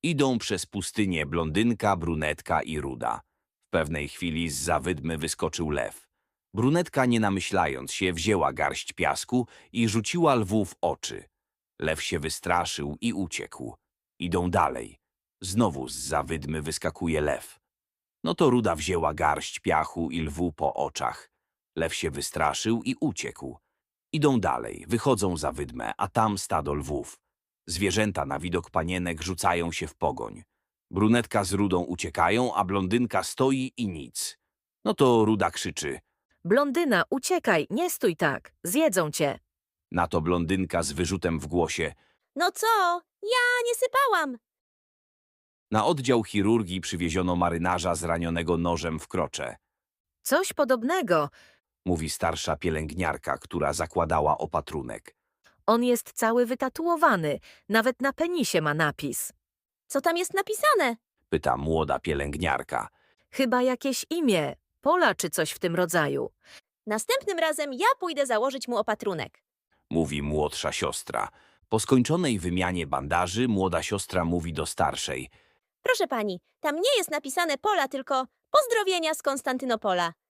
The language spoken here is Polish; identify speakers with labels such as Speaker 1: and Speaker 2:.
Speaker 1: Idą przez pustynię blondynka, brunetka i ruda. W pewnej chwili zza wydmy wyskoczył lew. Brunetka, nie namyślając się, wzięła garść piasku i rzuciła lwu w oczy. Lew się wystraszył i uciekł. Idą dalej. Znowu zza wydmy wyskakuje lew. No to ruda wzięła garść piachu i lwu po oczach. Lew się wystraszył i uciekł. Idą dalej, wychodzą za wydmę, a tam stado lwów. Zwierzęta na widok panienek rzucają się w pogoń. Brunetka z rudą uciekają, a blondynka stoi i nic. No to ruda krzyczy.
Speaker 2: Blondyna, uciekaj, nie stój tak, zjedzą cię.
Speaker 1: Na to blondynka z wyrzutem w głosie.
Speaker 3: No co? Ja nie sypałam.
Speaker 1: Na oddział chirurgii przywieziono marynarza zranionego nożem w krocze.
Speaker 2: Coś podobnego.
Speaker 1: Mówi starsza pielęgniarka, która zakładała opatrunek.
Speaker 2: On jest cały wytatuowany, nawet na penisie ma napis.
Speaker 3: Co tam jest napisane?
Speaker 1: Pyta młoda pielęgniarka.
Speaker 2: Chyba jakieś imię, Pola czy coś w tym rodzaju.
Speaker 3: Następnym razem ja pójdę założyć mu opatrunek.
Speaker 1: Mówi młodsza siostra. Po skończonej wymianie bandaży młoda siostra mówi do starszej.
Speaker 3: Proszę pani, tam nie jest napisane Pola, tylko pozdrowienia z Konstantynopola.